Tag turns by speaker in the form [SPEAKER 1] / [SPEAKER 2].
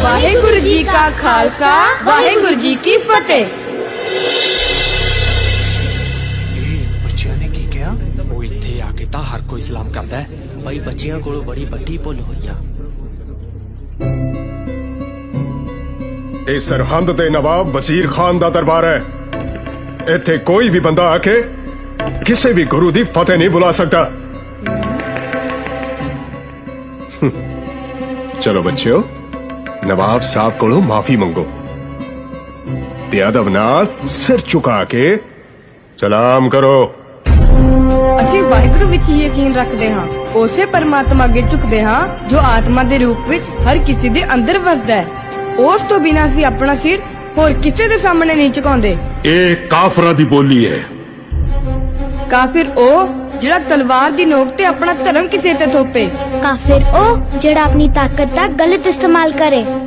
[SPEAKER 1] ਵਾਹਿਗੁਰੂ ਜੀ ਕਾ ਖਾਲਸਾ ਵਾਹਿਗੁਰੂ ਜੀ ਕੀ ਫਤਿਹ।
[SPEAKER 2] ਬੱਚਿਆਂ ਨੇ ਕੀ ਕਿਹਾ? ਉਹ ਇੱਥੇ ਆ ਕੇ ਤਾਂ ਹਰ ਕੋਈ ਸਲਾਮ ਕਰਦਾ ਹੈ।
[SPEAKER 3] ਬਈ ਬੱਚਿਆਂ ਕੋਲੋਂ ਬੜੀ ਵੱਡੀ ਭੁੱਲ ਹੋਈ ਆ।
[SPEAKER 4] ਇਹ ਸਰਹੰਦ ਦੇ ਨਵਾਬ ਵਜ਼ੀਰ ਖਾਨ ਦਾ ਦਰਬਾਰ ਹੈ। ਇੱਥੇ ਕੋਈ ਵੀ ਬੰਦਾ ਆ ਕੇ ਕਿਸੇ ਵੀ ਗੁਰੂ ਦੀ ਫਤਿਹ ਨਹੀਂ ਬੁਲਾ ਸਕਦਾ। ਚਲੋ ਬੱਚਿਓ, ਨਵਾਬ ਸਾਹਿਬ ਕੋਲੋਂ ਮਾਫੀ ਮੰਗੋ ਤੇ ਅਦਬ ਨਾਲ ਸਿਰ ਝੁਕਾ ਕੇ ਸਲਾਮ ਕਰੋ।
[SPEAKER 1] ਅਸੀਂ ਵਾਹਿਗੁਰੂ ਵਿੱਚ ਹੀ ਯਕੀਨ ਰੱਖਦੇ ਹਾਂ, ਉਸੇ ਪਰਮਾਤਮਾ ਅੱਗੇ ਝੁਕਦੇ ਹਾਂ ਜੋ ਆਤਮਾ ਦੇ ਰੂਪ ਵਿੱਚ ਹਰ ਕਿਸੇ ਦੇ ਅੰਦਰ ਵਸਦਾ ਹੈ। ਉਸ ਤੋਂ ਬਿਨਾਂ ਅਸੀਂ ਆਪਣਾ ਸਿਰ ਹੋਰ ਕਿਸੇ ਦੇ ਸਾਹਮਣੇ ਨਹੀਂ ਝੁਕਾਉਂਦੇ।
[SPEAKER 5] ਇਹ ਕਾਫਰਾਂ ਦੀ ਬੋਲੀ ਹੈ।
[SPEAKER 1] ਕਾਫਿਰ ਉਹ ਜਿਹੜਾ ਤਲਵਾਰ ਦੀ ਨੋਕ ਤੇ ਆਪਣਾ ਧਰਮ ਕਿਸੇ ਤੇ ਥੋਪੇ।
[SPEAKER 6] ਕਾਫਿਰ ਉਹ ਜਿਹੜਾ ਆਪਣੀ ਤਾਕਤ ਦਾ ਗਲਤ ਇਸਤੇਮਾਲ ਕਰੇ।